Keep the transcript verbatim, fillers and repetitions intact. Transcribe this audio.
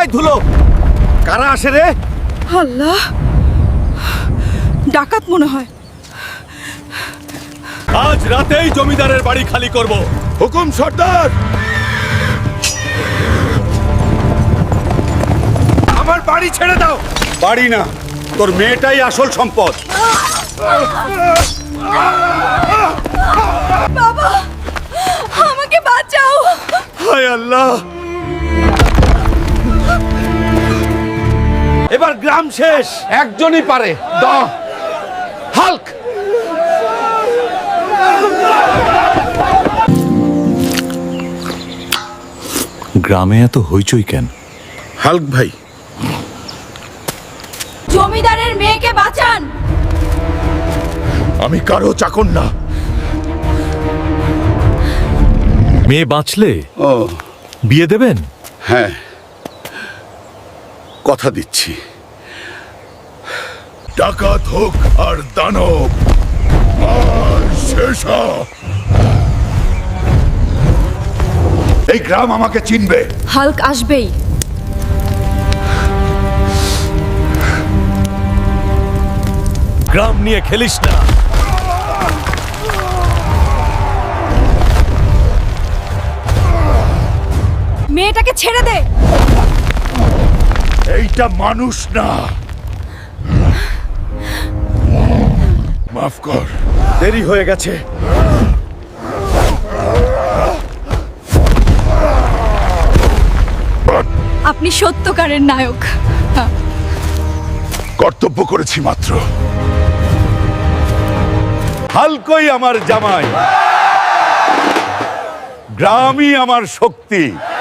পায়ে ধুলো। কারা আসে রে? আল্লাহ, ডাকাত মনে হয়। আজ রাতেই জমিদারের বাড়ি খালি করব। হুকুম সর্দার। আমার বাড়ি ছেড়ে দাও। বাড়ি না, তোর মেয়েটাই আসল সম্পদ। বাবা, আমাকে বাঁচাও। হায় আল্লাহ, এবার গ্রাম শেষ। একজনই পারে, দাও হাল্ক। গ্রামে এত হইচই কেন? হাল্ক ভাই, জমিদারের মেয়েকে বাঁচান। আমি কারো চাকর না। মেয়ে বাঁচলে ও বিয়ে দেবেন? হ্যাঁ, কথা দিচ্ছি। ডাকাত হোক আর দানব, আর শেষ হোক। এই গ্রাম আমাকে চিনবে। হাল্ক আসবেই। গ্রাম নিয়ে খেলিস না। মেয়েটাকে ছেড়ে দে। এইটা মানুষ না। মাফ কর, দেরি হয়ে গেছে। আপনি সত্যকারের নায়ক। কর্তব্য করেছি মাত্র। হালকই আমার জামাই, গ্রামই আমার শক্তি।